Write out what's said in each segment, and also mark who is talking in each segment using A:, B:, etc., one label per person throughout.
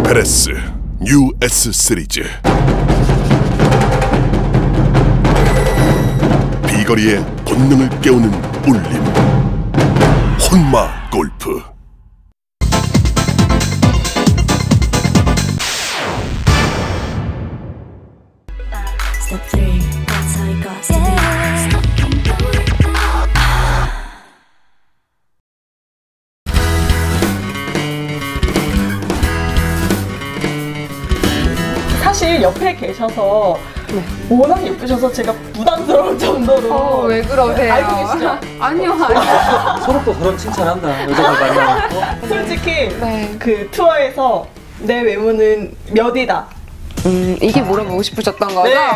A: 페레스 뉴 S 시리즈. 비거리의 본능을 깨우는 울림. 혼마 골프.
B: Step 3, that's how it goes to be.
C: 사실 옆에 계셔서 워낙 예쁘셔서 제가 부담스러울 정도로.
D: 왜 그러세요?
C: 알고 계시죠?
D: 아니요.
E: 서로 또 서로 칭찬한다. 여자가 만나고.
C: 솔직히
D: 네.
C: 그 투어에서 내 외모는 몇이다.
D: 이게 물어보고 싶으셨던 거죠?
C: 네.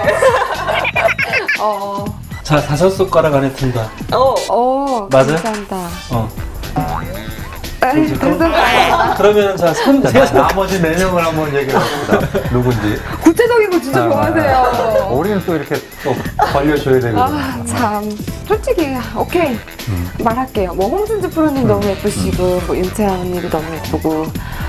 E: 자, 5손가락 안에 든다.
D: 맞아?
E: 맞아요?
D: 감사합니다.
E: 그렇지. 그러면 자,
F: 나머지 4명을 한번 얘기해 봅시다. 누군지.
D: 구체적인 거 진짜 좋아하세요.
F: 우리는 또 이렇게 또 벌려줘야 되거든.
D: 참. 솔직히, 오케이. 말할게요. 뭐, 홍순주 프로님 너무 예쁘시고, 뭐, 윤채아 언니도 너무 예쁘고,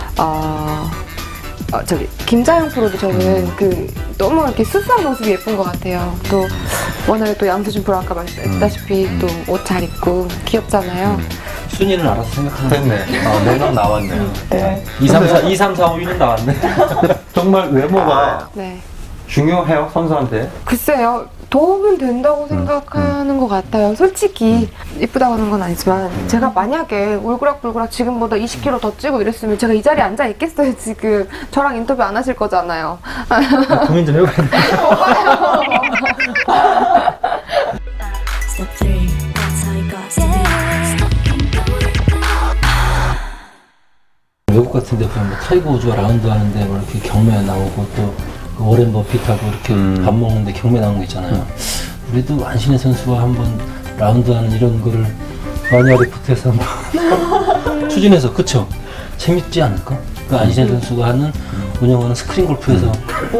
D: 저기, 김자영 프로도 저는 너무 이렇게 수수한 모습이 예쁜 것 같아요. 또, 워낙에 또 양수준 프로 아까 말씀했다시피 또 옷 잘 입고 귀엽잖아요.
E: 순위는 알아서 생각하는
F: 됐네. 4명 나왔네.
C: 네.
E: 2, 3, 4, 5위는 나왔네.
F: 정말 외모가
D: 네.
F: 중요해요, 선수한테?
D: 글쎄요, 도움은 된다고 생각하는 것 같아요. 솔직히 이쁘다고 하는 건 아니지만 제가 만약에 울그락불그락 지금보다 20kg 더 찌고 이랬으면 제가 이 자리에 앉아 있겠어요. 지금 저랑 인터뷰 안 하실 거잖아요.
E: 고민 좀 해봐야 돼.
B: Step 3, that's how it goes to be.
E: 외국 같은 데 보면 뭐 타이거 우즈가 라운드 하는데 뭐 이렇게 경매 나오고 또 워렌 버핏하고 이렇게 밥 먹는데 경매 나온 거 있잖아요. 우리도 안신혜 선수와 한번 라운드 하는 이런 거를 마니아리프트에서 한번 추진해서, 그쵸? 재밌지 않을까? 그 안신혜 선수가 하는 운영하는 스크린 골프에서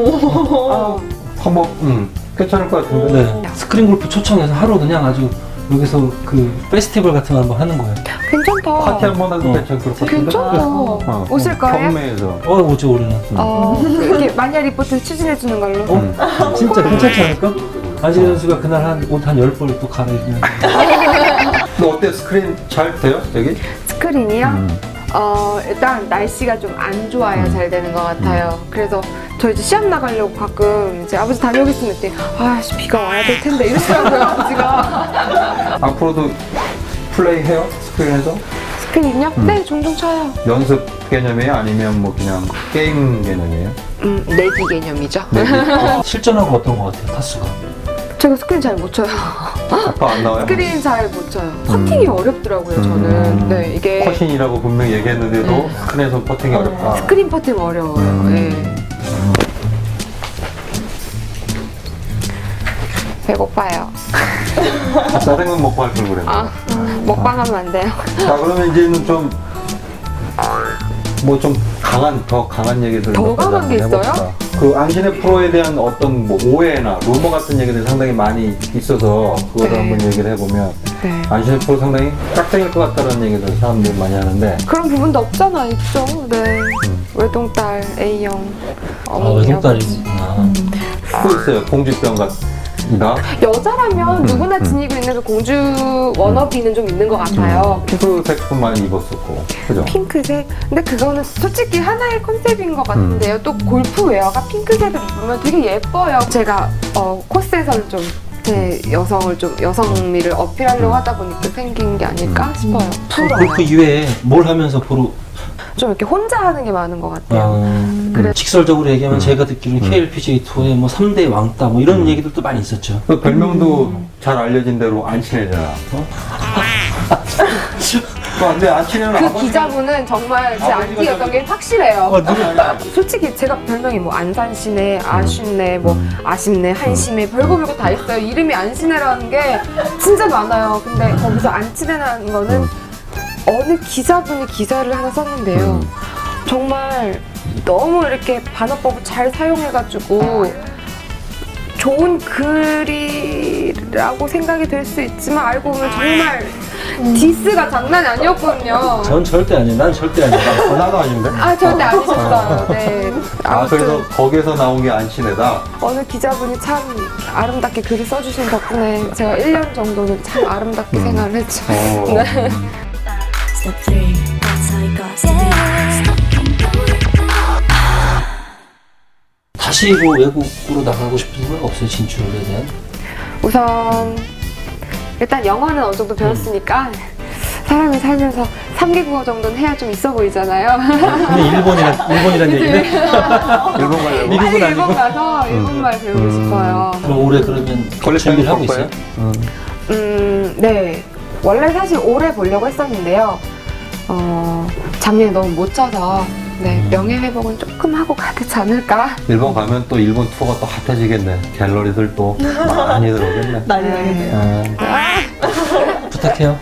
F: 한번 괜찮을 것 같은데.
E: 네, 스크린 골프 초청해서 하루 그냥 아주 여기서 그 페스티벌 같은 거 한번 하는 거예요.
D: 괜찮다.
F: 파티 한번 해도 괜찮을 것 같은데.
D: 괜찮다. 오실 거예요?
F: 경매에서.
E: 오죠, 우리는.
D: 이렇게 마니아 리포트 추진해주는 걸로.
E: 진짜 괜찮지 않을까? 안신혜 선수가 그날 옷 한 10벌 또 갈아입으면.
F: 너 어때? 스크린 잘 돼요? 여기?
D: 스크린이요? 일단 날씨가 좀 안 좋아야 잘 되는 것 같아요. 그래서 저 이제 시합 나가려고 가끔 이제 아버지 다녀오겠습니다 했더니 아씨 비가 와야 될 텐데 이러시더라고요 아버지가.
F: 앞으로도 플레이 해요? 스크린에서?
D: 스크린요? 네, 종종 쳐요.
F: 연습 개념이에요? 아니면 뭐 그냥 게임 개념이에요?
D: 내기 개념이죠.
E: 실전하고 어떤 것 같아요, 타수가?
D: 제가 스크린 잘 못 쳐요.
F: 아빠 안 나와요?
D: 스크린 잘 못 쳐요. 퍼팅이 어렵더라고요, 저는. 네, 이게
F: 퍼신이라고 분명히 얘기했는데도 스크린에서 퍼팅이 어렵다.
D: 스크린 퍼팅 어려워요. 네. 배고파요.
F: 짜장면 먹고 할 걸 그랬네.
D: 먹방하면 안 돼요.
F: 자, 그러면 이제는 좀 더 강한 얘기들
D: 더 강한 게 있어요?
F: 그 안신혜 프로에 대한 어떤 뭐 오해나 루머 같은 얘기들이 상당히 많이 있어서 그거를 한번 얘기를 해보면 안신혜 프로 상당히 짝짝일 것 같다는 얘기들 사람들이 많이 하는데
D: 그런 부분도 없잖아, 있죠. 네. 외동딸 A형.
E: 외동딸이구나.
F: 또 있어요. 공주병 같다.
D: 여자라면 누구나 지니고 있는 그 공주 워너비는 좀 있는 것 같아요.
F: 핑크색도 많이 입었었고, 그죠?
D: 핑크색? 근데 그거는 솔직히 하나의 컨셉인 것 같은데요. 또 골프웨어가 핑크색을 입으면 되게 예뻐요. 제가 코스에서는 좀 제 여성미를 어필하려고 하다 보니까 생긴 게 아닐까 싶어요.
E: 골프 이외에 뭘 하면서
D: 좀 이렇게 혼자 하는 게 많은 것 같아요.
E: 직설적으로 얘기하면 제가 듣기로는 KLPGA 투어의 뭐 3대 왕따 뭐 이런 얘기들도 많이 있었죠.
F: 그 별명도 잘 알려진 대로 안친해잖아. 근데 안친해는
D: 그 기자분은 정말 제 안티였던 게 확실해요. 솔직히 제가 별명이 뭐 안산시네, 아쉽네, 뭐 아쉽네, 한심해, 별거 다 있어요. 이름이 안신혜라는 게 진짜 많아요. 근데 거기서 안친혜라는 거는 어느 기자분이 기사를 하나 썼는데요. 정말 너무 이렇게 반어법을 잘 사용해가지고 좋은 글이라고 생각이 될 수 있지만 알고 보면 정말 디스가 장난이 아니었거든요.
E: 전 절대 아니에요. 난 절대 아니에요.
F: 나도 아닌데?
D: 아, 절대 아니셨어요. 네.
F: 아,
D: 아무튼
F: 그래서 거기에서 나온 게 안신혜다?
D: 어느 기자분이 참 아름답게 글을 써주신 덕분에 제가 1년 정도는 참 아름답게 생활을 했죠. 네.
B: Step 3, that's how you got to be.
E: 다시 뭐 외국으로 나가고 싶은 생각 없어요? 진출에 대한?
D: 우선 일단 영어는 어느 정도 배웠으니까 사람이 살면서 3개국어 정도는 해야 좀 있어 보이잖아요.
E: 근데 일본이란 얘기는?
F: 일본 가려고?
E: 미국은
D: 빨리
E: 아니고?
D: 일본 가서 일본말 배우고 싶어요.
E: 그럼 올해 그러면 준비를 하고 있어요?
D: 네. 원래 사실 올해 보려고 했었는데요. 작년에 너무 못 쳐서 네, 명예회복은 조금 하고 가야 되지 않을까?
F: 일본 가면 또 일본 투어가 또 핫해지겠네. 갤러리들 또 많이 들어오겠네.
C: 난리 나겠네요.
E: 부탁해요.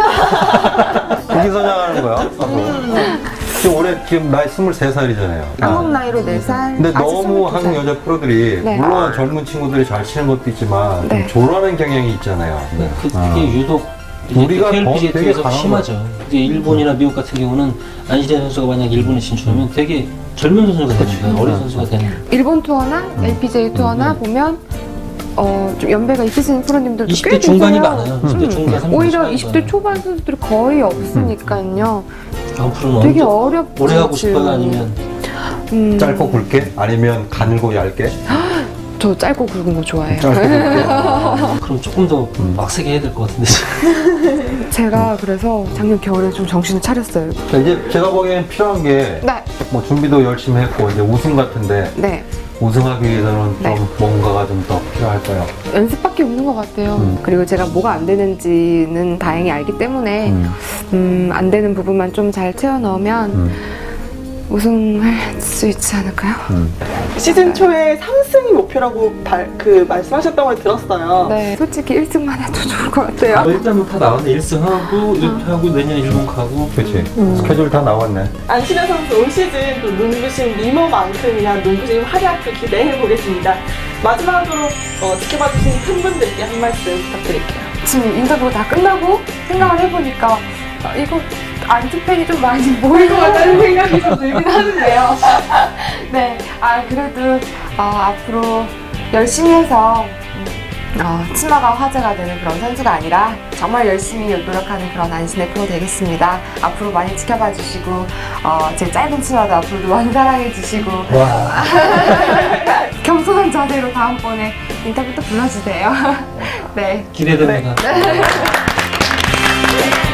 F: 거기 선양하는 거야, 앞으로. 지금 올해 지금 나이 23살이잖아요.
D: 한국 나이로 4살.
F: 근데 너무 한국 여자 프로들이
D: 네.
F: 물론 젊은 친구들이 잘 치는 것도 있지만
D: 네.
F: 좀 조라는 경향이 있잖아요.
E: 그게 유독
F: 우리가
E: KLPGA
F: 되게
E: 쪽에서
F: 강한
E: 심하죠. 근데 일본이나 미국 같은 경우는 안시대 선수가 만약 일본에 진출하면 되게 젊은 선수가 되는 거예요. 어린 선수가 되는.
D: 일본 투어나 LPGA 투어나 보면 좀 연배가 있으신 프로님들도 꽤
E: 20대 중반이
D: 계세요.
E: 많아요. 10대 중반, 30대
D: 오히려
E: 중반이
D: 20대
E: 많아요.
D: 초반 선수들이 거의 없으니까요.
E: 앞으로는
D: 되게
E: 언제
D: 어렵죠.
E: 오래 하고 싶어요? 아니면
F: 짧고 굵게? 아니면 가늘고 얇게?
D: 저 짧고 굵은 거 좋아해요.
F: 짧고 굵게.
E: 그럼 조금 더 빡세게 해야 될 것 같은데.
D: 제가 그래서 작년 겨울에 좀 정신을 차렸어요.
F: 이제 제가 보기엔 필요한 게
D: 네.
F: 뭐 준비도 열심히 했고 이제 우승 같은데
D: 네.
F: 우승하기 위해서는
D: 네.
F: 좀 뭔가가 좀 더 필요할까요?
D: 연습밖에 없는 것 같아요. 그리고 제가 뭐가 안 되는지는 다행히 알기 때문에 안 되는 부분만 좀 잘 채워 넣으면 우승할 수 있지 않을까요?
C: 시즌 초에 3승이 목표라고 말씀하셨던 걸 들었어요.
D: 네. 솔직히 1승만 해도 좋을 것 같아요.
E: 일단은 다 나왔네. 1승하고 이렇게 하고 내년에 일본 가고.
F: 그렇지. 스케줄 다 나왔네.
C: 안신혜 선수 올 시즌 또 눈부신 미모만큼이나 눈부신 활약도 기대해 보겠습니다. 마지막으로 지켜봐주신 팬분들께 한 말씀 부탁드릴게요.
D: 지금 인터뷰가 다 끝나고 생각을 해보니까 이거 안티팬이 좀 많이 모일 것 같다는 생각이 좀 들긴 하는데요. 네, 그래도 앞으로 열심히 해서 치마가 화제가 되는 그런 선수가 아니라 정말 열심히 노력하는 그런 안신혜 프로 되겠습니다. 앞으로 많이 지켜봐 주시고 제 짧은 치마도 앞으로도 많이 사랑해 주시고 겸손한 자세로 다음번에 인터뷰 또 불러주세요. 네.
E: 기대됩니다.
C: 네.